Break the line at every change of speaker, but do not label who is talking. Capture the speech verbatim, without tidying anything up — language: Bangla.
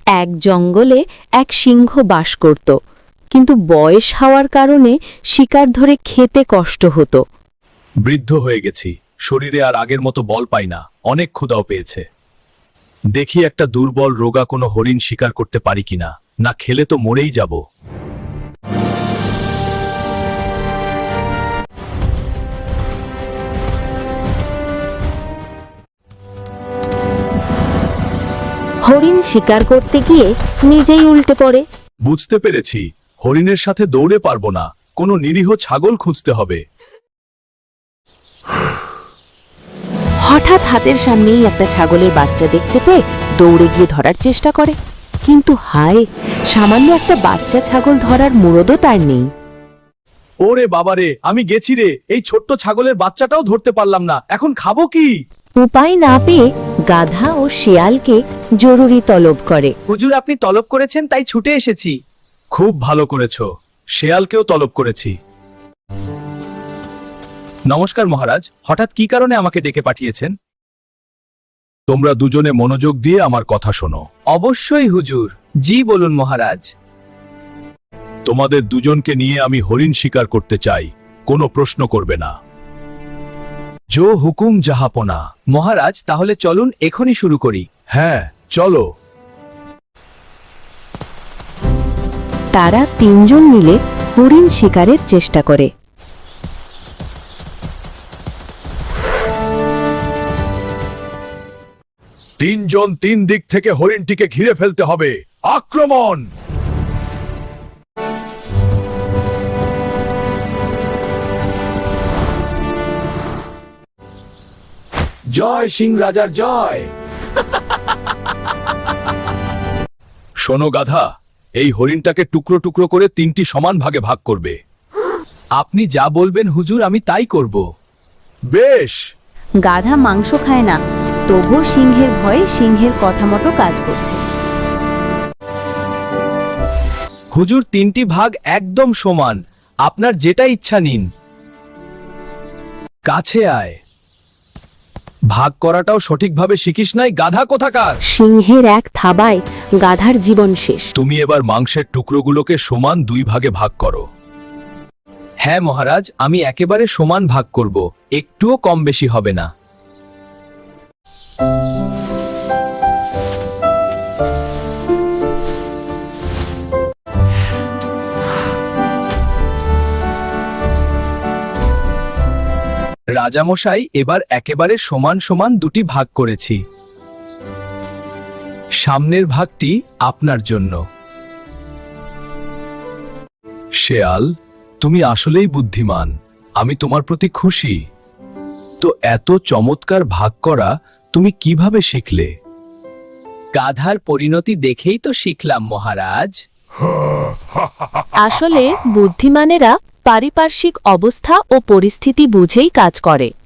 এক জঙ্গলে এক সিংহ বাস করত, কিন্তু বয়স হওয়ার কারণে শিকার ধরে খেতে কষ্ট হতো।
বৃদ্ধ হয়ে গেছি, শরীরে আর আগের মতো বল পাই না, অনেক ক্ষুধাও পেয়েছে। দেখি একটা দুর্বল রোগা কোনো হরিণ শিকার করতে পারি কিনা, না খেলে তো মরেই যাব।
হরিণ শিকার করতে গিয়ে নিজেই উল্টে পড়ে।
বুঝতে পেরেছি, হরিণের সাথে দৌড়ে পারবো না, কোনো নিরীহ ছাগল খুঁজতে হবে।
হঠাৎ হাতের সামনেই একটা ছাগলের বাচ্চা দেখতে পেয়ে দৌড়ে গিয়ে ধরার চেষ্টা করে, কিন্তু হায়, সামান্য একটা বাচ্চা ছাগল ধরার মুরদও তার নেই।
ওরে বাবারে, আমি গেছি রে, এই ছোট্ট ছাগলের বাচ্চাটাও ধরতে পারলাম না, এখন খাবো কি?
উপায় না পেয়ে গাধা ও শেয়ালকে জরুরি তলব করে।
হুজুর, আপনি তলব করেছেন তাই ছুটে এসেছি।
খুব ভালো করেছো, শেয়ালকেও তলব করেছি। নমস্কার মহারাজ, হঠাৎ কি কারণে আমাকে ডেকে পাঠিয়েছেন? তোমরা দুজনে মনোযোগ দিয়ে আমার কথা শোনো।
অবশ্যই হুজুর। জি বলুন মহারাজ।
তোমাদের দুজনকে নিয়ে আমি হরিণ শিকার করতে চাই, কোনো প্রশ্ন করবে না। জো হুকুম জাহাপনা।
মহারাজ, তাহলে চলুন এখনই শুরু করি।
হ্যাঁ, চলো।
তারা তিনজন মিলে হরিণ শিকারের চেষ্টা করে।
তিনজন তিন দিক থেকে হরিণটিকে ঘিরে ফেলতে হবে। আক্রমণ! জয় সিং রাজার জয়। শোনো গাধা, এই হরিণটাকে টুকরো টুকরো করে তিনটি সমান ভাগে ভাগ করবে।
আপনি যা বলবেন হুজুর, আমি তাই করব।
বেশ।
গাধা মাংস খায় না, তবুও সিংহের ভয়ে সিংহের কথা মতো কাজ করছে।
হুজুর, তিনটি ভাগ একদম সমান, আপনার যেটা ইচ্ছা নিন।
কাছে আয়। ভাগ করাটাও সঠিকভাবে শিখিস নাই, গাধা কোথাকার।
সিংহের এক থাবায় গাধার জীবন শেষ।
তুমি এবার মাংসের টুকরোগুলোকে সমান দুই ভাগে ভাগ করো।
হ্যাঁ মহারাজ, আমি একেবারে সমান ভাগ করব, একটুও কম বেশি হবে না। রাজামশাই, এবার একেবারে সমান সমান দুটি ভাগ করেছি। সামনের ভাগটি আপনার জন্য।
শেয়াল, তুমি আসলেই বুদ্ধিমান, আমি তোমার প্রতি খুশি। তো এত চমৎকার ভাগ করা তুমি কিভাবে শিখলে?
গাধার পরিণতি দেখেই তো শিখলাম মহারাজ।
আসলে বুদ্ধিমানেরা পারিপার্শ্বিক অবস্থা ও পরিস্থিতি বুঝেই কাজ করে।